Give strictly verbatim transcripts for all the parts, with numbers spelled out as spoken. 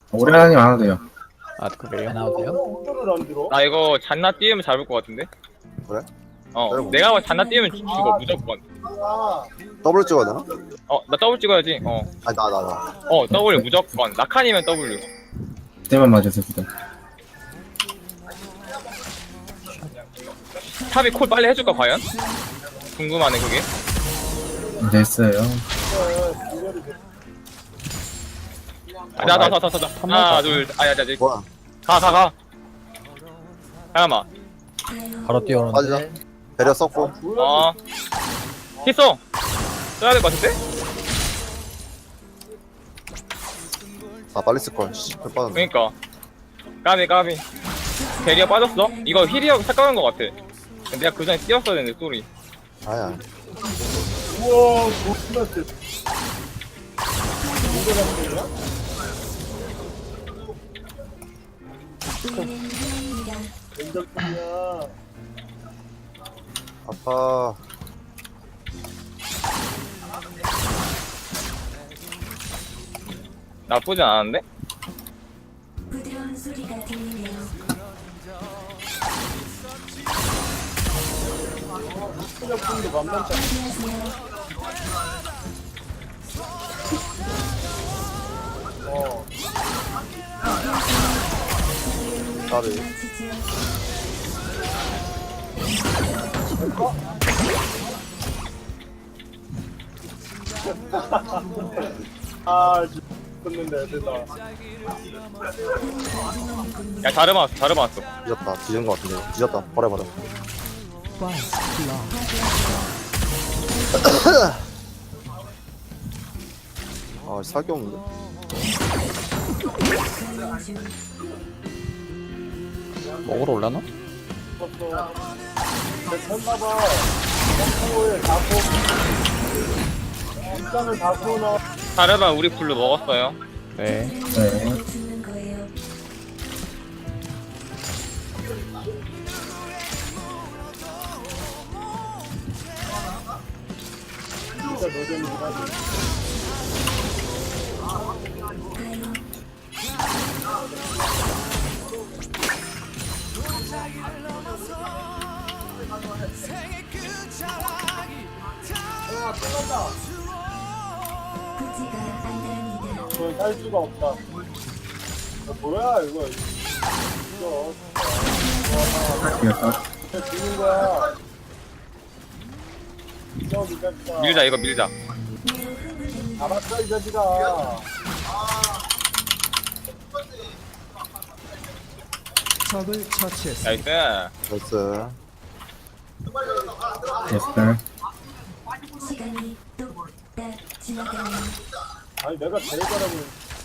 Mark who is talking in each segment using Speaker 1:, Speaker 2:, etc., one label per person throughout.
Speaker 1: 오래 하니 안 와도 돼요.
Speaker 2: 아 그래요?
Speaker 3: 안 나와도 돼요?
Speaker 4: 나 이거 잔나 띄우면 잡을 것 같은데?
Speaker 5: 그래?
Speaker 4: 어
Speaker 5: 짧아.
Speaker 4: 내가 잔나 띄우면 죽- 죽어 무조건.
Speaker 5: 더블 찍어야 되나?
Speaker 4: 어 나 더블 찍어야지. 어어
Speaker 5: 아니 나 나 나.
Speaker 4: W 무조건. 라칸이면 W.
Speaker 1: 그때만 맞아서 그다.
Speaker 4: 탑이 콜 빨리 해줄까 과연? 궁금하네 그게.
Speaker 1: 됐어요.
Speaker 4: 나나나나나 하나 둘 아야 자 이제
Speaker 5: 뭐야?
Speaker 4: 가가 가. 잠깐만.
Speaker 3: 바로 뛰어오는데.
Speaker 5: 빠지자. 배려 썼고.
Speaker 4: 어 히쏘 써야 될 것 같은데?
Speaker 5: 아 빨리 쓸 걸. 씨, 별 빠졌네.
Speaker 4: 그니까 까비 까비. 대리가 빠졌어? 이거 힐이하고 착각한 것 같아. 내가 그 전에 뛰었어야 되는데 소리.
Speaker 5: 아야. 아파.
Speaker 4: 나쁘지 않았는데?
Speaker 6: 부드러운 소리가 들리네요.
Speaker 5: 나를.
Speaker 7: 아, 죽었는데, 됐다.
Speaker 4: 야 자르마 왔어 자르마 왔어.
Speaker 5: 뒤졌다. 뒤진 거 같은데. 뒤졌다. 버려 버려. 아 살게 없는데.
Speaker 2: 먹으러 올라나?
Speaker 7: 죽었어. 됐나봐. 점프에 다 쏘. 일단은 다 쏘나.
Speaker 4: 자르마 우리 블루 먹었어요.
Speaker 2: 네.
Speaker 1: 네.
Speaker 6: 죽는 거예요.
Speaker 7: 진짜 노잼이긴 하지.
Speaker 6: 부지가 안달합니다.
Speaker 7: 그걸 살 수가 없다. 어, 뭐야, 이거. 이거.
Speaker 1: 이겼다.
Speaker 7: 진짜 죽는 거야. 이거 이 자식아.
Speaker 4: 밀자 이거 밀자.
Speaker 7: 알았어, 이 자식아.
Speaker 4: 나이스.
Speaker 5: 나이스.
Speaker 1: 됐어요.
Speaker 6: 시간이 뚝딱 지나가네요.
Speaker 7: 아니, 내가 제일 잘하면.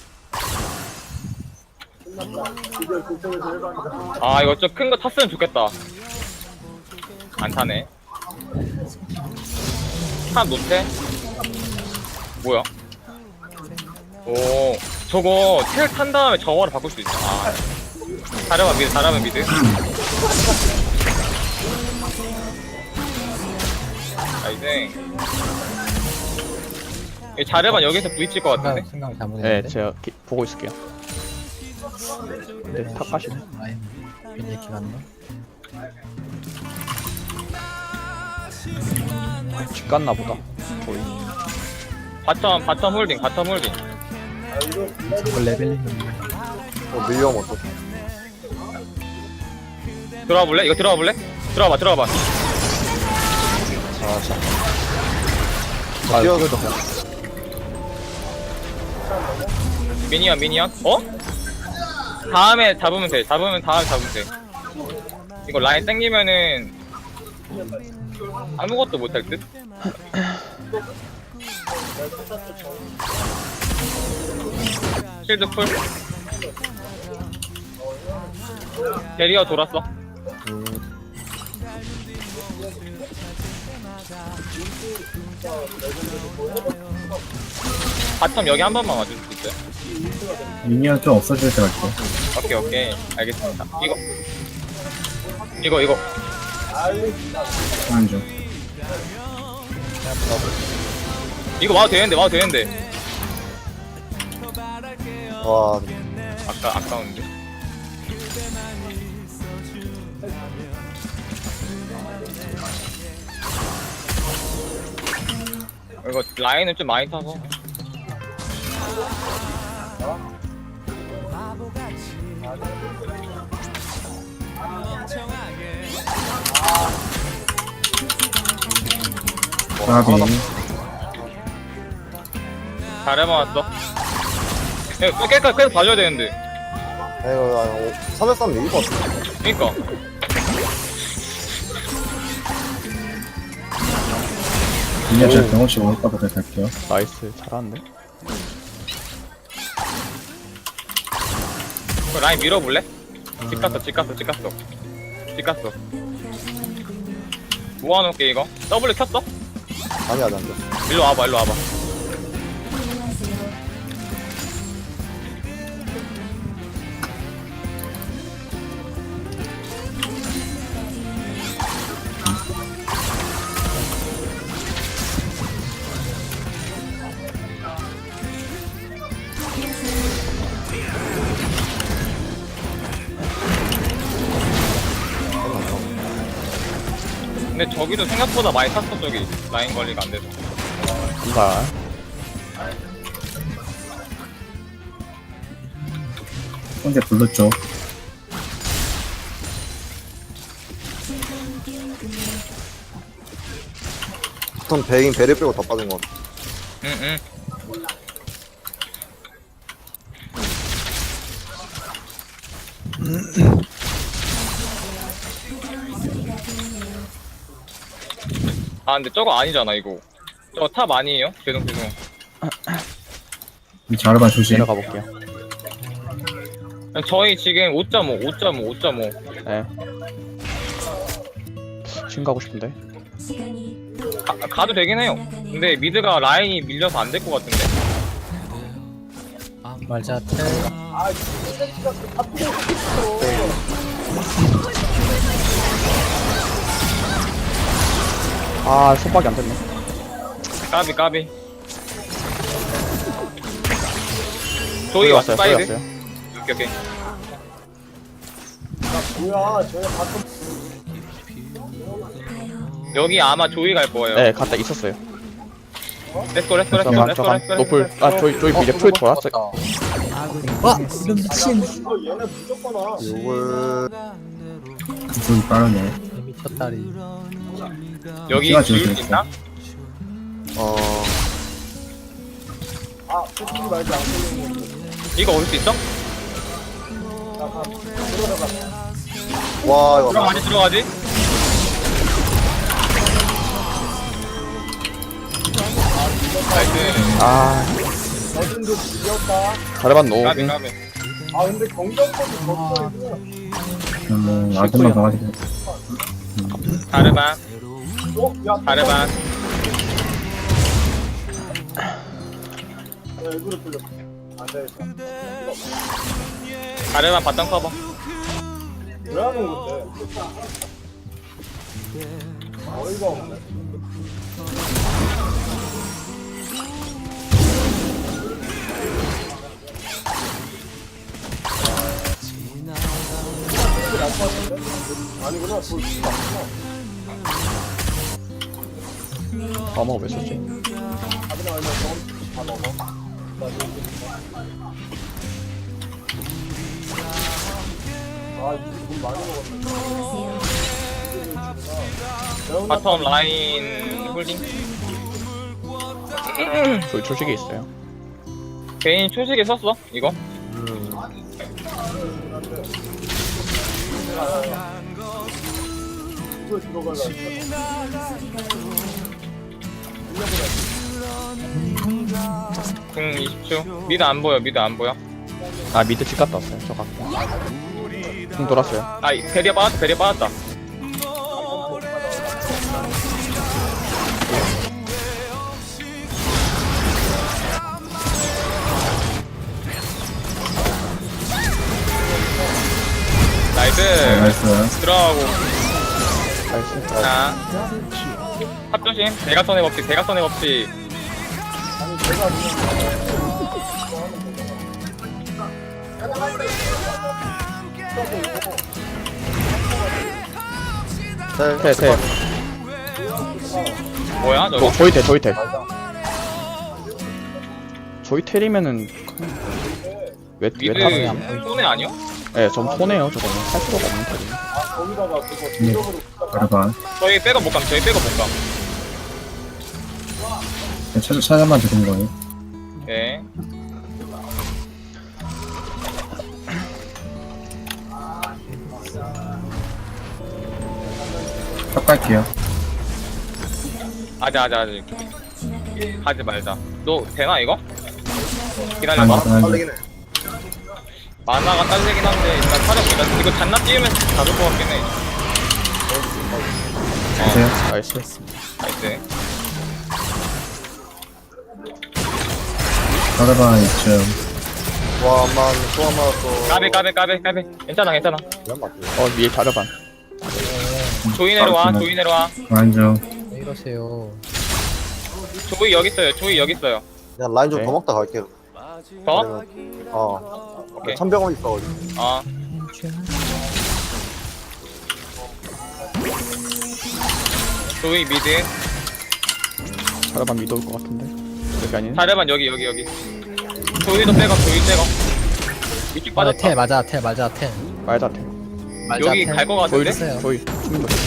Speaker 7: 끝났다. 이제 그쪽에서 해봤는데.
Speaker 4: 아 이거 좀 큰 거 탔으면 좋겠다. 안 타네. 탑 못해? 뭐야? 오 저거 텔 탄 다음에 정어로 바꿀 수 있어. 아 자르마 미드 자르마 미드. 나이스. 이 자르마 여기서 부딪힐 것 같은데?
Speaker 3: 생각, 생각 잘못했는데.
Speaker 2: 네, 제가 기, 보고 있을게요. 근데 탑 가시네.
Speaker 3: 라인 괜히 이렇게 맞나?
Speaker 2: 집 갔나 보다. 거의.
Speaker 4: 바텀 바텀 홀딩 바텀 홀딩.
Speaker 3: 저거 레벨링.
Speaker 5: 어 밀리엄 어떡?
Speaker 4: 들어와 볼래? 이거 들어와 볼래? 들어와봐 들어와봐.
Speaker 5: 아 자.
Speaker 2: 아,
Speaker 5: 뛰어.
Speaker 2: 뛰어도
Speaker 4: 미니언 미니언? 어? 다음에 잡으면 돼. 잡으면 다음에 잡으면 돼. 이거 라인 땡기면은 아무것도 못할 듯? 실드 풀. 대리어 돌았어. 바텀 여기 한 번만 와줄 수 있어요?
Speaker 1: 미니언 좀 없어질 때 갈게.
Speaker 4: 오케이 오케이 알겠습니다. 이거 이거 이거
Speaker 1: 하는 중.
Speaker 4: 이거 와도 되는데 와도 되는데.
Speaker 5: 와
Speaker 4: 아까 아까운데. 이거 라인은 좀 많이 타서.
Speaker 1: 까비.
Speaker 4: 잘해 맞았어. 야, 또 깨끗 계속 봐줘야 되는데.
Speaker 5: 이거 삼 대 삼 이길 것 같아.
Speaker 4: 그니까.
Speaker 1: 미니어 제가 경험치 오니까 보다 갈게요.
Speaker 2: 나이스. 잘하는데.
Speaker 4: 그 라인 밀어볼래? 집 갔어, 집 갔어, 집 갔어. 집 갔어. 모아놓을게, 이거. W 켰어?
Speaker 5: 아니 아직 안 돼.
Speaker 4: 일로 와봐, 일로 와봐.
Speaker 6: 안녕하세요.
Speaker 4: 근데 저기도 생각보다 많이 탔어, 저기. 라인 관리가 안 돼서.
Speaker 2: 감사.
Speaker 1: 근데 불렀죠.
Speaker 5: 보통 베인 베리 빼고 다 빠진 것 같아.
Speaker 4: 응, 응. 아, 근데 저거 아니잖아, 이거. 저거 탑 아니에요? 죄송, 죄송.
Speaker 1: 이 자르반 조심.
Speaker 2: 내려가 볼게요.
Speaker 4: 저희 지금 오 점 오, 오 점 오, 오 점 오.
Speaker 2: 네. 신 가고 싶은데.
Speaker 6: 시간이 또
Speaker 4: 가, 가도 되긴 해요. 근데 미드가 라인이 밀려서 안 될 것 같은데.
Speaker 3: 말자 텔.
Speaker 2: 아, 손박이 안 됐네.
Speaker 4: 까비, 까비. 조이
Speaker 2: 조이
Speaker 4: 왔어,
Speaker 2: 왔어요. 조이
Speaker 4: 사이드.
Speaker 2: 왔어요.
Speaker 4: 오케이, 오케이.
Speaker 7: 뭐야, 쟤 가끔
Speaker 4: 여기 아마 조이 갈 거예요.
Speaker 2: 네, 갔다 있었어요.
Speaker 4: 렛츠고, 렛츠고, 렛츠고,
Speaker 2: 잠깐,
Speaker 4: 렛츠고,
Speaker 2: 잠깐.
Speaker 4: 렛츠고.
Speaker 2: 노플. 아, 조이, 조이 미래 풀 돌았어요.
Speaker 3: 와 이런 미친.
Speaker 7: 이거 얘네 무조건 와.
Speaker 5: 요걸
Speaker 1: 구속이 빠르네.
Speaker 3: 미쳤다리.
Speaker 4: 여기
Speaker 1: 키가
Speaker 4: 지울 수
Speaker 1: 지워져
Speaker 4: 있나?
Speaker 5: 어
Speaker 7: 아, 솔직히 말지 안 걸리는 거.
Speaker 4: 이거 올 수 있어?
Speaker 5: 와 이거
Speaker 4: 그럼 많이 들어가지? 나이스.
Speaker 2: 아,
Speaker 7: 어딘도 밀렸다.
Speaker 2: 자르반 노.
Speaker 4: 까비, 까비.
Speaker 7: 아, 근데 경쟁력이 졌어, 이거.
Speaker 1: 뭐 아들만 가가지고.
Speaker 4: 자르반,
Speaker 7: 어? 야,
Speaker 4: 자르반.
Speaker 7: 야, 일부러 풀렸어. 안 되겠다.
Speaker 4: 자르반 바텀 커버.
Speaker 7: 왜 하는 건데? 어이가 없네. 아니구나, 돌 진짜 아니구나.
Speaker 2: 어머, 왜 썼지?
Speaker 7: 아버님 얼마 더 다 먹어. 나 이거 아, 이거 돈 많이 먹었네.
Speaker 6: 안녕하세요.
Speaker 4: 바텀 라인 홀딩.
Speaker 2: 조이 초식에 있어요.
Speaker 4: 개인 초식에 썼어, 이거?
Speaker 7: 이거 들어가려고.
Speaker 4: 궁 이십 초. 미드 안 보여, 미드 안 보여.
Speaker 2: 아, 미드 집 갔다 왔어요. 저 갖고. 좀 돌았어요.
Speaker 4: 아, 이- 베리아 빠졌다, 베리아 빠졌다. 나이스.
Speaker 1: 나이스.
Speaker 4: 들어가고.
Speaker 2: 나이스.
Speaker 4: 자. 합조심. 대각선의 법칙, 대각선의 법칙.
Speaker 5: 텔,
Speaker 2: 텔, 텔.
Speaker 4: 뭐야 저거?
Speaker 2: 저, 저희 텔, 저희 텔. 저희 텔이면은 왜, 왜
Speaker 4: 미드
Speaker 2: 탔어요?
Speaker 4: 손해 아니야?
Speaker 2: 네, 전 손해요. 저거는 할 필요가 없는 텔이에요.
Speaker 7: 아, 거기다가 그거
Speaker 1: 네.
Speaker 7: 지역으로
Speaker 1: 가르반.
Speaker 4: 저희 백업 못 감. 저희 백업 못 감.
Speaker 1: 찾아, 찾아만 드린 거예요.
Speaker 4: 네.
Speaker 1: 딱 갈게요.
Speaker 4: 아자 아자 아자. 하지 말자. 너 되나 이거?
Speaker 1: 아니,
Speaker 4: 기다려봐.
Speaker 1: 아니,
Speaker 5: 빨리긴 해.
Speaker 4: 만화가 딸리긴 한데 일단 사려보자. 이거 잔나 띄우면 잡을 것 같긴 해.
Speaker 1: 보세요.
Speaker 2: 나이스.
Speaker 4: 나이스.
Speaker 1: 가르반 이쯤.
Speaker 5: 와, 만, 또 한 맞았어.
Speaker 4: 까비 까비 까비 까비. 괜찮아 괜찮아.
Speaker 2: 어, 위에 자르반.
Speaker 4: 조이 내려와. 조이 내려와.
Speaker 1: 완전.
Speaker 3: 왜 이러세요?
Speaker 4: 조이 여기 있어요. 조이 여기 있어요.
Speaker 5: 그냥 라인 좀
Speaker 2: 오케이.
Speaker 5: 더 먹다 갈게요.
Speaker 4: 더?
Speaker 5: 아니면- 어.
Speaker 4: 오케이.
Speaker 5: 천병원 있어가지고.
Speaker 4: 어. 조이 미드.
Speaker 2: 자르반 미도 올 것 같은데. 여기 아니네.
Speaker 4: 자르반 여기 여기 여기. 조이도 백업. 조이 백업. 이쪽
Speaker 3: 맞아,
Speaker 4: 빠졌다.
Speaker 3: 텔 맞아, 텔 맞아, 텔.
Speaker 2: 말다 텔.
Speaker 3: 맞아,
Speaker 4: 여기
Speaker 3: 텔.
Speaker 4: 갈 것
Speaker 2: 저희,
Speaker 4: 같은데?
Speaker 3: 있어요.
Speaker 2: 저희. 죽는 거.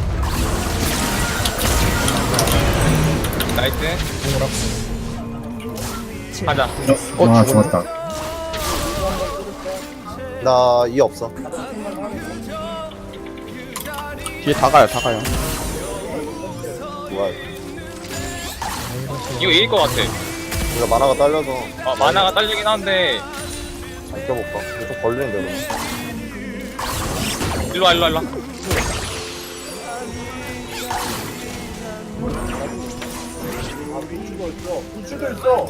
Speaker 4: 나이스.
Speaker 3: 뭐라고?
Speaker 4: 가자.
Speaker 1: 어,
Speaker 2: 어,
Speaker 1: 와,
Speaker 2: 죽었네.
Speaker 1: 죽었다.
Speaker 5: 나 이 없어.
Speaker 2: 뒤에 다 가요, 다 가요.
Speaker 5: 뭐야.
Speaker 3: 왜 이러세요?
Speaker 4: 이거 이길 것 같아.
Speaker 5: 우리가 만화가 딸려서
Speaker 4: 어, 만화가 딸리긴 한데.
Speaker 5: 안 껴볼까? 이거 좀 걸리는데, 그럼.
Speaker 4: 일로와 일로와 일로와.
Speaker 7: 아, 위치도 있어. 위치도 있어.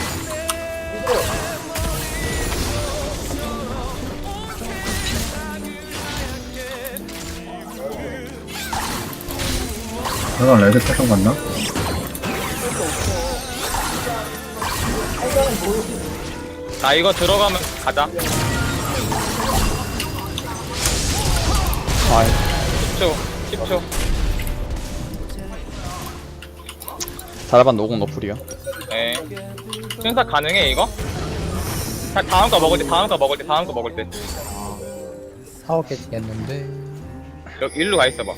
Speaker 1: 내가 레드 패턴 갔나?
Speaker 4: 나 이거 들어가면 가자.
Speaker 2: 아,
Speaker 4: 십 초. 십 초.
Speaker 2: 자르반 노공 너플이야.
Speaker 4: 예. 순삭 가능해 이거? 다, 다음 거 먹을 때 다음 거 먹을 때 다음 거 먹을 때.
Speaker 3: 사오 깨지겠는데.
Speaker 4: 여기 일로 가 있어봐.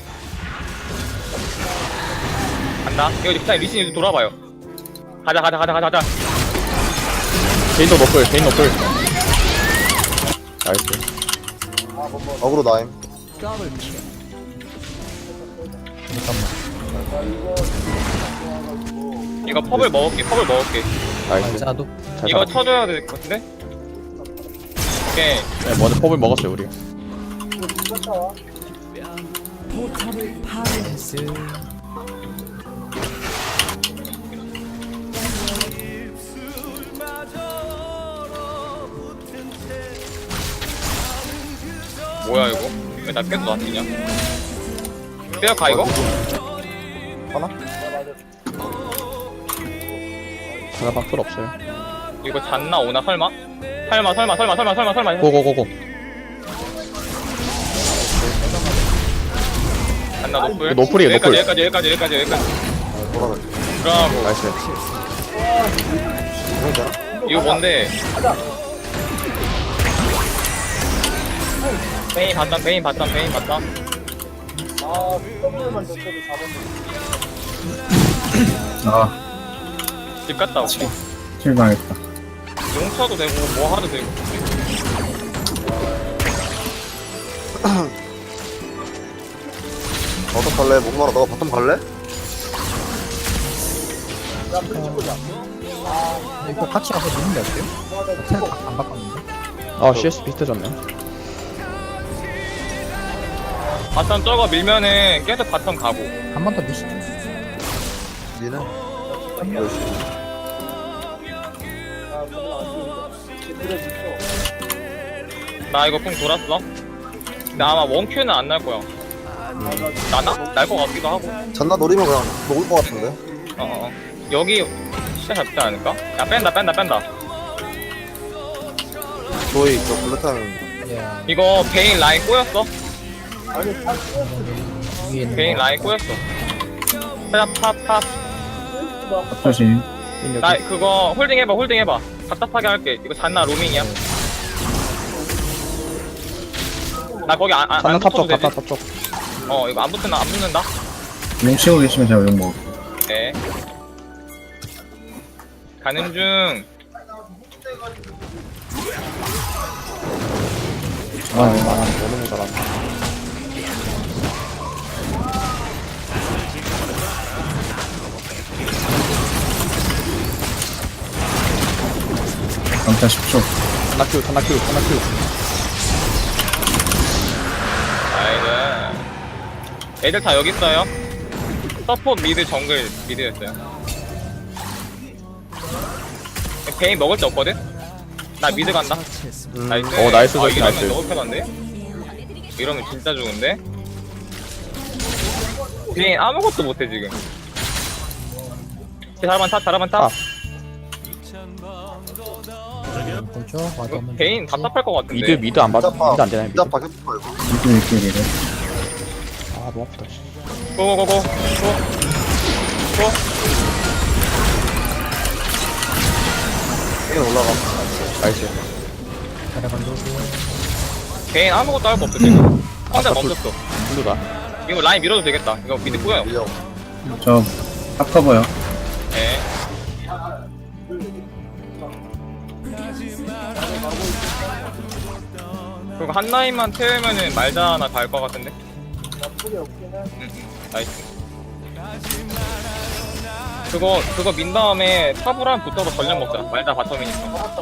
Speaker 4: 간다. 이거 일단 리신 일로 돌아봐요. 가자 가자 가자 가자 가자.
Speaker 2: 개인도 너플, 개인 너플. 나이스.
Speaker 5: 어그로 나임.
Speaker 4: 이거 펍을 먹을게. 펍을 먹을게.
Speaker 2: 나이스.
Speaker 3: 맞아도
Speaker 2: 잘
Speaker 4: 이거
Speaker 2: 잡았다.
Speaker 4: 쳐줘야 될 것 같은데? 오케이.
Speaker 2: 네, 먼저 펍을 먹었어요, 우리.
Speaker 3: 나이스.
Speaker 4: 뭐야 이거? 왜 나 계속 놔두냐? 빼어가 이거?
Speaker 5: 하나?
Speaker 2: 자르반 풀 없어요.
Speaker 4: 이거 잔나 오나 설마? 설마 설마 설마 설마 설마 설마.
Speaker 2: 고고고고.
Speaker 4: 잔나 노플.
Speaker 2: 이거 노플이에요,
Speaker 4: 여기까지
Speaker 2: 노플.
Speaker 4: 여기까지 여기까지 여기까지 여기까지.
Speaker 5: 돌아가.
Speaker 4: 브라보.
Speaker 2: 나이스.
Speaker 5: 이건 되나?
Speaker 4: 이거 뭔데? 베인 봤다 베인 봤다 베인 봤다.
Speaker 7: 아, W만 줬어도 잡았는데.
Speaker 1: 아,
Speaker 4: 집 갔다 오고.
Speaker 1: 실망했다.
Speaker 4: 용쳐도 되고 뭐 하도 되고.
Speaker 5: 어떡 갈래? 목마라 너가 바텀 갈래?
Speaker 3: 이거 같이 가서 누는 게 어때요? 텔안 바꿨는데?
Speaker 2: 아, 씨에스 비슷해졌네.
Speaker 4: 바텀 저거 밀면은 계속 바텀 가고.
Speaker 3: 한 번 더 미시죠.
Speaker 5: 니는?
Speaker 4: 나 이거 쿵 돌았어. 나 아마 원큐는 안 날 거야. 나나? 날 거 같기도 하고.
Speaker 5: 잔나 노리면 그냥 녹을 것 같은데?
Speaker 4: 어어. 여기 시야 잡지 않을까? 야 뺀다 뺀다 뺀다.
Speaker 5: 저희 저 블루탄
Speaker 3: 예.
Speaker 4: 이거 베인 라인 꼬였어.
Speaker 7: 아니 탑
Speaker 3: 위에 있는
Speaker 4: 베인
Speaker 3: 거.
Speaker 4: 라인 꼬였어. 탑탑탑.
Speaker 1: 조심.
Speaker 4: 나 그거 홀딩 해봐 홀딩 해봐. 답답하게 할게. 이거 잔나 로밍이야. 나 거기 안, 안,
Speaker 2: 산나
Speaker 4: 안
Speaker 2: 탑쪽
Speaker 4: 붙어도
Speaker 2: 갔다
Speaker 4: 되지?
Speaker 2: 탑쪽.
Speaker 4: 어 이거 안 붙는다 안 붙는다.
Speaker 1: 용 치고 계시면 제가 용 먹을게요.
Speaker 4: 네. 가는 중.
Speaker 1: 아,
Speaker 2: 아 너무 모자란다.
Speaker 1: 강타 십 초.
Speaker 2: 산나큐 산나큐 산나큐.
Speaker 4: 아이들. 애들 다 여기 있어요. 서포트 미드 정글 미드였어요. 베인 먹을 데 없거든? 나 미드 간다. 나이스.
Speaker 2: 오, 나이스,
Speaker 4: 아,
Speaker 2: 나이스,
Speaker 4: 이러면
Speaker 2: 나이스.
Speaker 4: 너무 편한데? 이러면 진짜 좋은데? 베인 아무것도 못해 지금. 자라만 타, 자라만 타.
Speaker 2: 아.
Speaker 3: 보죠. 와도 없는
Speaker 4: 베인
Speaker 3: 줄 알았지.
Speaker 4: 답답할 것 같은데.
Speaker 2: 미드 미드 안 받. 미드 안 되나 미드.
Speaker 5: 미다 박혔어 이거.
Speaker 1: 이렇게 이렇게 이래.
Speaker 2: 아 너무 아프다. 씨.
Speaker 4: 고고고고. 고. 고.
Speaker 5: 이게 올라가.
Speaker 2: 나이스.
Speaker 3: 자라반 로고.
Speaker 4: 베인 아무것도 할 거 없어 지금. 혼자
Speaker 2: 아까
Speaker 4: 멈췄어.
Speaker 2: 블루다.
Speaker 4: 이거 라인 밀어도 되겠다. 이거 미드 꼬여요.
Speaker 5: 밀려.
Speaker 1: 저 탑커버요.
Speaker 4: 네. 그리고 한 라인만 태우면은 말자 하나 갈 것 같은데?
Speaker 7: 나쁘게 없긴 해.
Speaker 4: 응, 응. 나이스. 그거, 그거 민 다음에 탑으로 붙어서 전력 먹자. 말자 바텀이니까.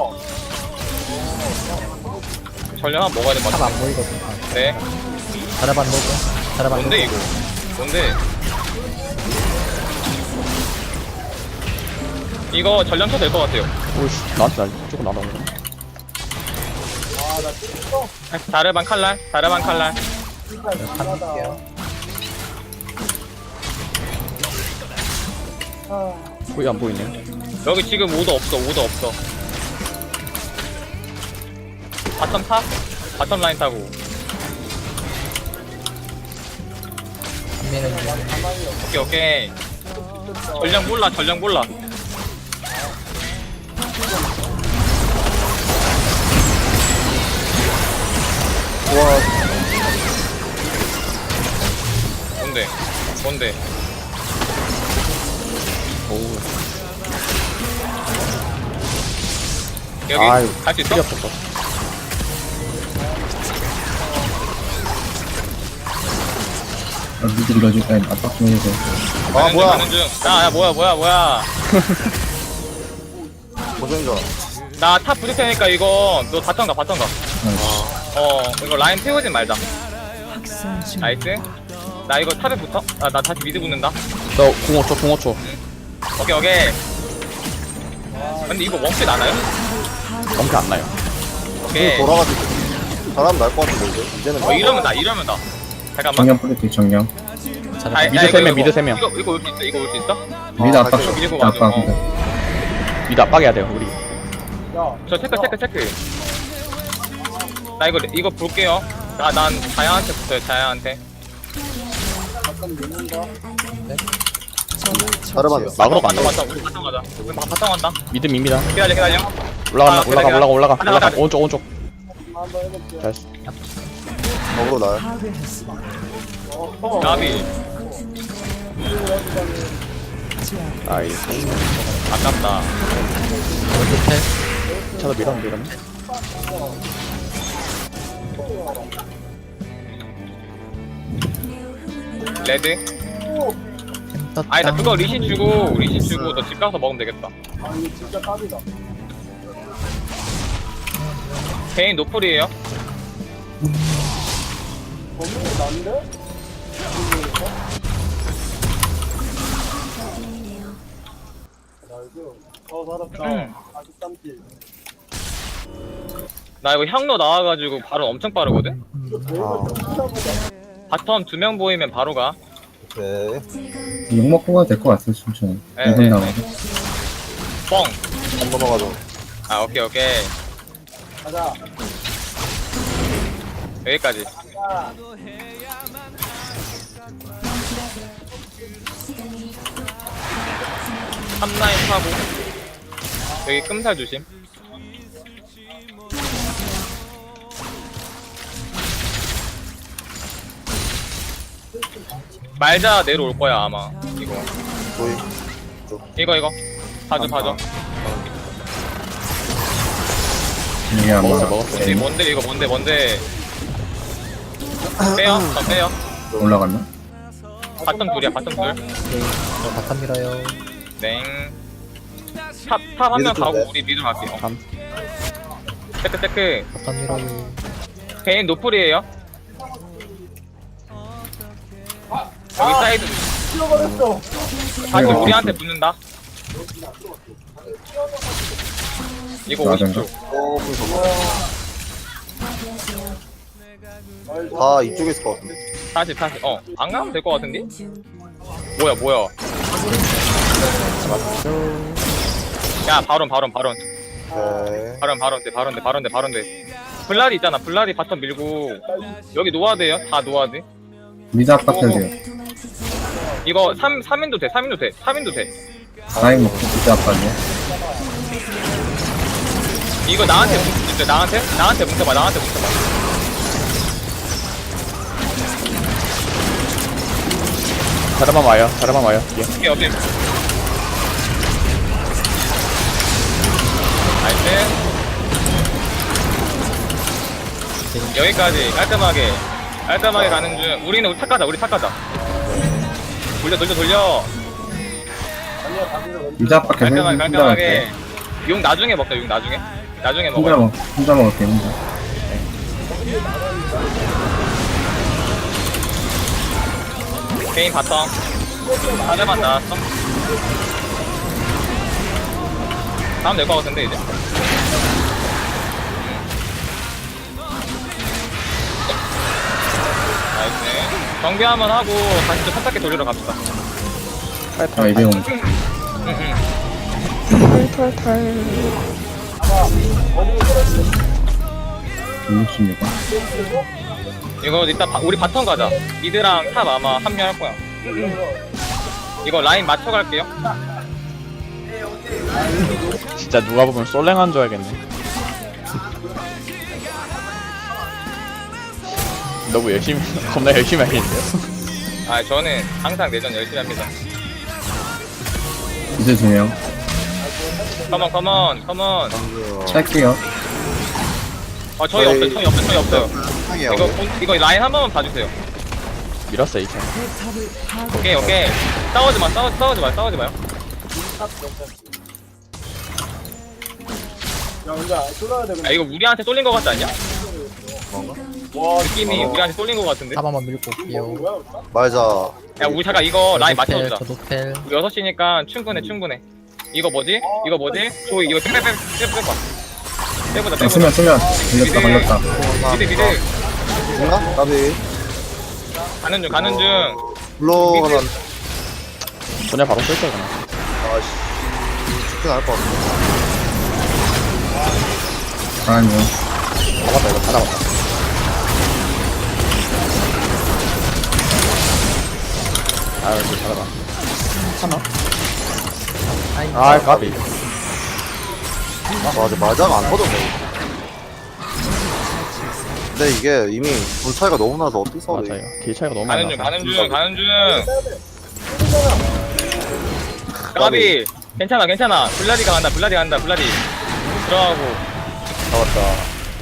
Speaker 4: 전력 하나 먹어야 될 것 같아.
Speaker 3: 탑안 보이거든. 아,
Speaker 4: 네.
Speaker 3: 자라반 로고. 자라반
Speaker 4: 뭔데,
Speaker 3: 로고.
Speaker 4: 이거? 뭔데? 이거 전력 쳐도 될 것 같아요.
Speaker 2: 오이씨 나한테 날 조금 나눠.
Speaker 7: 아나 찍어.
Speaker 4: 자르반 칼날, 자르반 칼날.
Speaker 7: 진짜 미안하다. 아
Speaker 2: 거의 안 보이네.
Speaker 4: 여기 지금 오도 없어, 오도 없어. 바텀 타? 바텀 라인 타고.
Speaker 3: 한미는 중.
Speaker 4: 오케이, 오케이. 전력 몰라, 전력 몰라.
Speaker 5: 와
Speaker 4: 뭔데? 뭔데?
Speaker 2: 오우.
Speaker 4: 여기
Speaker 2: 아유,
Speaker 4: 갈 수 있어?
Speaker 2: 필요 없었어.
Speaker 1: 아, 미드 밀어줄 땐 압박 좀 해주세요.
Speaker 5: 아,
Speaker 4: 가는 중,
Speaker 5: 뭐야.
Speaker 4: 가는 중. 야, 야, 뭐야, 뭐야, 뭐야.
Speaker 5: 고생자.
Speaker 4: 나 탑 부딪 테니까 이거 너 바텀 가, 바텀 가.
Speaker 1: 아,
Speaker 4: 어, 이거 라인 태우진 말자. 나이스. 나 이거 탑에 붙어? 아, 나 다시 미드 붙는다.
Speaker 2: 너 공오 초 공오 초.
Speaker 4: 오케이, 오케이. 근데 이거 원fit 나나요?
Speaker 2: 엄청 안 나요.
Speaker 4: 오케이.
Speaker 5: 돌아가지고. 잘하면 날 것 같은데 이제. 이제는.
Speaker 4: 어, 이러면 나, 이러면 나. 잠깐만.
Speaker 1: 정령 뿌릴게 정령.
Speaker 4: 아,
Speaker 3: 자라반.
Speaker 2: 미드
Speaker 4: 야,
Speaker 2: 세
Speaker 4: 이거,
Speaker 2: 명,
Speaker 4: 이거,
Speaker 2: 미드 세 명.
Speaker 4: 이거, 이거 올 수 있어? 이거 올 수 있어?
Speaker 1: 미드
Speaker 5: 아,
Speaker 1: 압박.
Speaker 5: 갈게요.
Speaker 4: 밀고
Speaker 1: 미드
Speaker 4: 가죠.
Speaker 1: 압박.
Speaker 2: 미드 압박해야 돼요 우리.
Speaker 7: 야
Speaker 4: 저 체크, 체크, 체크. 나 이거, 이거 볼게요. 나, 난 자야한테 붙어요, 자야한테.
Speaker 7: 잠깐 믿는다.
Speaker 5: 자르반.
Speaker 2: 막으러
Speaker 4: 바텀,
Speaker 2: 간다.
Speaker 4: 바텀, 우리 바텀 가자. 우리 바- 바텀 간다.
Speaker 2: 미드 밉니다.
Speaker 4: 기다려, 기다려.
Speaker 2: 올라간다.
Speaker 4: 아,
Speaker 2: 올라가
Speaker 4: 그래,
Speaker 2: 올라가 올라가
Speaker 4: 가자,
Speaker 2: 올라가.
Speaker 4: 가자.
Speaker 2: 오른쪽 오른쪽.
Speaker 7: 한번 해볼게.
Speaker 2: 잘했어.
Speaker 5: 먹으러 나요.
Speaker 7: 어.
Speaker 4: 나비.
Speaker 2: 나이스.
Speaker 4: 아깝다.
Speaker 3: 어떻게?
Speaker 2: 차도 밀었는데 이러면.
Speaker 4: 레드.
Speaker 3: 떴다.
Speaker 4: 아니, 나 그거 리신 주고, 리신 주고, 너 집 가서 먹으면 되겠다.
Speaker 7: 아 이거 진짜 탑이다.
Speaker 4: 개인 노플이에요.
Speaker 7: 범인이 난데? 나이스. 어 살았다.
Speaker 4: 음.
Speaker 7: 사십삼 킬.
Speaker 4: 나 이거 향로 나와가지고 바로 엄청 빠르거든?
Speaker 5: 아.
Speaker 4: 바텀 두 명 보이면 바로 가.
Speaker 5: 오케이.
Speaker 1: 욕 먹고 가도 될 것 같아요, 천천히.
Speaker 4: 네,
Speaker 1: 이 분
Speaker 4: 네,
Speaker 1: 남아서.
Speaker 4: 뻥!
Speaker 5: 안 넘어가죠.
Speaker 4: 아, 오케이, 오케이.
Speaker 7: 가자.
Speaker 4: 여기까지.
Speaker 6: 시간이
Speaker 4: 삼 라인 타고 여기 끔살 조심. 말자 내려올 거야 아마. 이거
Speaker 5: 보이.
Speaker 4: 이거 이거 봐줘 봐줘.
Speaker 1: 이게 아마
Speaker 2: 먹었어, 먹었어.
Speaker 4: 이게 뭔데 이거 뭔데 뭔데. 빼요 더 빼요.
Speaker 1: 올라갔나?
Speaker 4: 바텀 둘이야 바텀 둘.
Speaker 3: 오케이. 저 바텀 밀어요.
Speaker 4: 냉. 탑 탑 한 명
Speaker 5: 미드
Speaker 4: 가고
Speaker 5: 쪽에?
Speaker 4: 우리 미드 갈게요.
Speaker 2: 감.
Speaker 4: 테크 테크.
Speaker 3: 바텀 밀어요.
Speaker 4: 베인 노플이에요. 여기 사이드
Speaker 7: 잃어버렸어.
Speaker 4: 다시 우리한테 붙는다. 이거
Speaker 1: 맞은가?
Speaker 4: 오십 초.
Speaker 5: 어, 보이 저거.
Speaker 6: 파괴하세요.
Speaker 5: 다 이쪽에 있을 것 같은데.
Speaker 4: 다시 다시 어 안 가면 될 것 같은데? 뭐야 뭐야. 야 바론 바론 바론
Speaker 5: 오케이.
Speaker 4: 바론 바론 돼 바론 돼 바론 돼 바론 돼. 블라디 있잖아. 블라디 바텀 밀고 여기 노아드예요. 다 노아드.
Speaker 1: 미드 압박해야 돼요.
Speaker 4: 이거 삼 삼인도 돼. 삼인도 돼. 삼인도 돼.
Speaker 1: 라인 먹고 미드 압박이야.
Speaker 4: 이거 나한테 뭉쳐. 나한테 나한테 뭉쳐봐. 나한테 뭉쳐봐.
Speaker 2: 자르만 와요. 자르만 와요. 예.
Speaker 4: 오케이 오케이. 나이스. 여기까지 깔끔하게 깔끔하게 가는 중. 우리는 우리 탁 가자. 우리 탁 가자. 돌려 돌려 돌려.
Speaker 1: 미드 압박해서
Speaker 4: 깔끔하게
Speaker 1: 혼자
Speaker 4: 깔끔하게.
Speaker 1: 갈게.
Speaker 4: 용 나중에 먹자. 용 나중에. 나중에
Speaker 1: 혼자
Speaker 4: 먹어요.
Speaker 1: 먹 혼자 먹을게 혼자.
Speaker 4: 개인 바텀. 다들만 나왔어. 다음 될 것 같은데 이제. 나이스. 정비 한번 하고 다시 좀 살짝게 돌리러 갑시다.
Speaker 1: 아 이제 온. 육십육 원.
Speaker 4: 이거 이따 바, 우리 바텀 가자. 미드랑 탑 아마 합류할 거야. 이거 라인 맞춰갈게요.
Speaker 2: 진짜 누가 보면 솔랭한 줄 알겠네. 너무 열심히, 겁나 열심히 하겠는데요?
Speaker 4: 아 저는 항상 내전 열심히 합니다.
Speaker 1: 미드 두 명.
Speaker 4: 컴온 컴온 컴온.
Speaker 1: 찰게요.
Speaker 4: 아 저희 없어요. 저희 없어요. 저희 없어요.
Speaker 5: 상이야.
Speaker 4: 이거 본- 이거 라인 한 번만 봐주세요.
Speaker 2: 밀었어, 이 편.
Speaker 4: 오케이 오케이. 싸우지 마 싸우 싸우지 마 싸우지 마요.
Speaker 7: 야, 근데 쏠러야 돼.
Speaker 4: 아 이거 우리한테 쏠린 거 같지 않냐?
Speaker 7: 와,
Speaker 4: 느낌이 우리한테 쏠린 거 같은데.
Speaker 3: 탑 한번 밀고 올게요.
Speaker 7: 뭐야?
Speaker 5: 말자.
Speaker 4: 야 우리 잠깐 이거 라인
Speaker 3: 저 노텔,
Speaker 4: 맞춰주자.
Speaker 3: 저 노텔.
Speaker 4: 우리 여섯 시니까 충분해 충분해. 이거 뭐지? 이거 뭐지? 저 이거 빼빼빼 빼빼봐. 빼보자
Speaker 1: 아,
Speaker 4: 빼보자.
Speaker 1: 수면 수면. 걸렸다 걸렸다.
Speaker 4: 미드 미드
Speaker 5: 죽나? 나비.
Speaker 4: 가는 중 가는 중.
Speaker 5: 불러가면.
Speaker 2: 그냥 바로 쓸게요, 그냥.
Speaker 5: 아씨. 죽진 않을 것 같은데.
Speaker 1: 아니요.
Speaker 2: 잡았다, 이거 다 잡았다. 아유, 이거 잘하다. 하나? 아, 까비.
Speaker 5: 맞아, 말자가 안 터졌네. 근데 이게 이미 돈 차이가 너무 나서 어떻게 싸워?
Speaker 2: 맞아요. 길 차이가 너무 많이
Speaker 4: 가는 중
Speaker 2: 나서.
Speaker 4: 가는 중 가는 중. 까비 괜찮아 괜찮아. 블라디가 간다 블라디 간다 블라디. 들어가고
Speaker 5: 잡았다.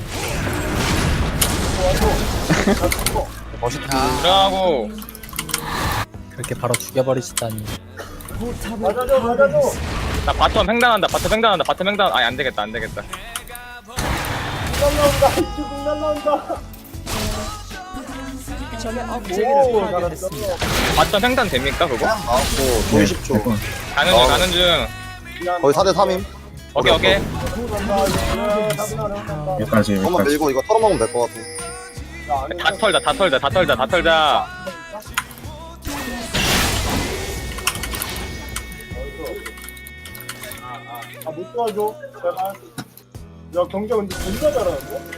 Speaker 5: 멋있다.
Speaker 4: 들어가고.
Speaker 3: 그렇게 바로 죽여버리시다니.
Speaker 7: 맞아줘, 맞아줘.
Speaker 4: 나 바텀 횡단한다 바텀 횡단한다 바텀 횡단. 아니 안 되겠다 안 되겠다.
Speaker 7: 날라온다. 이쪽으로 날라온다. 오, 잘했어.
Speaker 4: 바텀 횡단 됩니까 그거?
Speaker 5: 나왔고, 돈 십 초.
Speaker 1: 네,
Speaker 4: 가는 중 가는 중.
Speaker 5: 거의 사 대 삼임.
Speaker 4: 오케이 오케이.
Speaker 1: 여기까지
Speaker 5: 한번
Speaker 1: 여기까지.
Speaker 5: 밀고 이거 털어먹으면 될 것 같아.
Speaker 4: 다 털자 다 털자 다 털자 다 털자.
Speaker 7: 아, 못 도와줘. 제발. 야 경자 근데 존나 잘하는데?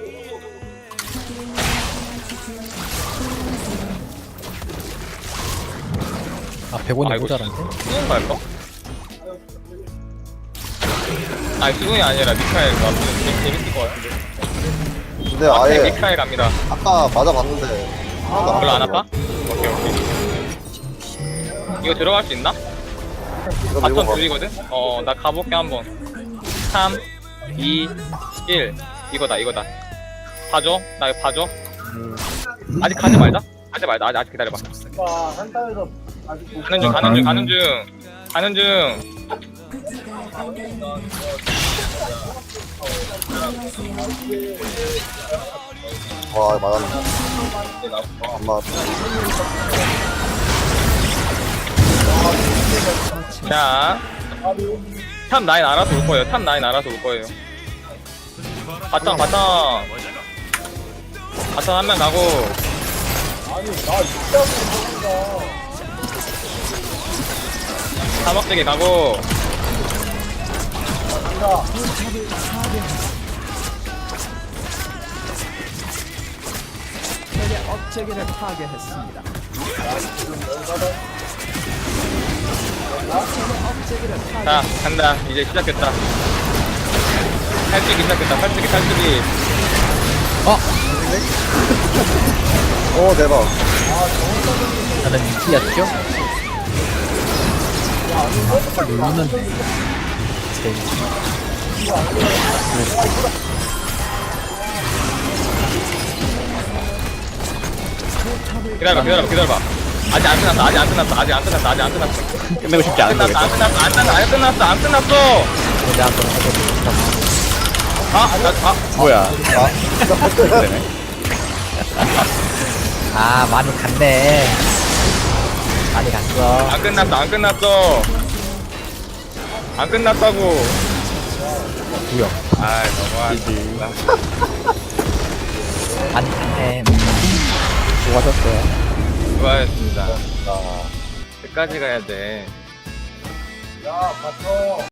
Speaker 3: 아 백 원이
Speaker 4: 아이고,
Speaker 3: 모자란데?
Speaker 4: 수능 갈까? 아니 수능이 아니라 미카엘 가 재밌, 재밌을 것 같은데.
Speaker 5: 근데
Speaker 4: 아,
Speaker 5: 아예
Speaker 4: 미카엘 갑니다.
Speaker 5: 아까 맞아봤는데 하나도 안
Speaker 4: 별로 안
Speaker 5: 아프네요.
Speaker 4: 아파? 오케이 오케이. 이거 들어갈 수 있나?
Speaker 5: 이거 밀고
Speaker 4: 바텀
Speaker 5: 가.
Speaker 4: 둘이거든? 어, 나 가볼게 한번. 삼, 이, 일. 이거다, 이거다. 봐줘. 나 이거 봐줘. 아직 가지 말자. 가지 말자. 아직, 아직 기다려봐.
Speaker 7: 아 한타에서 아직 못
Speaker 4: 가는 중, 가는 중, 가는 중. 가는 중.
Speaker 6: 부지가 안되는
Speaker 5: 와 맞았네. 안 맞았다.
Speaker 4: 자. 탑 라인 알아서 올 거예요. 탑 라인 알아서 올 거예요. 바텀, 바텀. 바텀 한 명 가고.
Speaker 7: 아니 나 진짜 못한다.
Speaker 4: 사막대기 가고. 자, 간다. 이제 시작했다. 탈출기 시작했다. 탈출기, 탈출기.
Speaker 5: 오 대박.
Speaker 3: 나는 이기였죠? 누르는데
Speaker 4: 기다려봐, 기다려봐, 기다려봐. 아직 안 끝났어, 아직 안 끝났어, 아직 안 끝났어, 아직 안 끝났어.
Speaker 2: 끝내고 싶지 않은
Speaker 4: 끝났어,
Speaker 2: 거겠죠?
Speaker 4: 안 끝났어, 안 끝났어, 안 끝났어, 안 끝났어.
Speaker 3: 내가 한번 해보겠다.
Speaker 4: 아, 나, 아,
Speaker 2: 뭐야? 그러네.
Speaker 3: 아 많이 갔네. 많이 갔어.
Speaker 4: 안 끝났어, 안 끝났어. 안 끝났다고.
Speaker 3: 구역.
Speaker 4: 아이, 너무하지.
Speaker 3: 많이 갔네. 음. 수고하셨어요.
Speaker 4: 수고하셨습니다. 끝까지 가야 돼.
Speaker 7: 야 바텀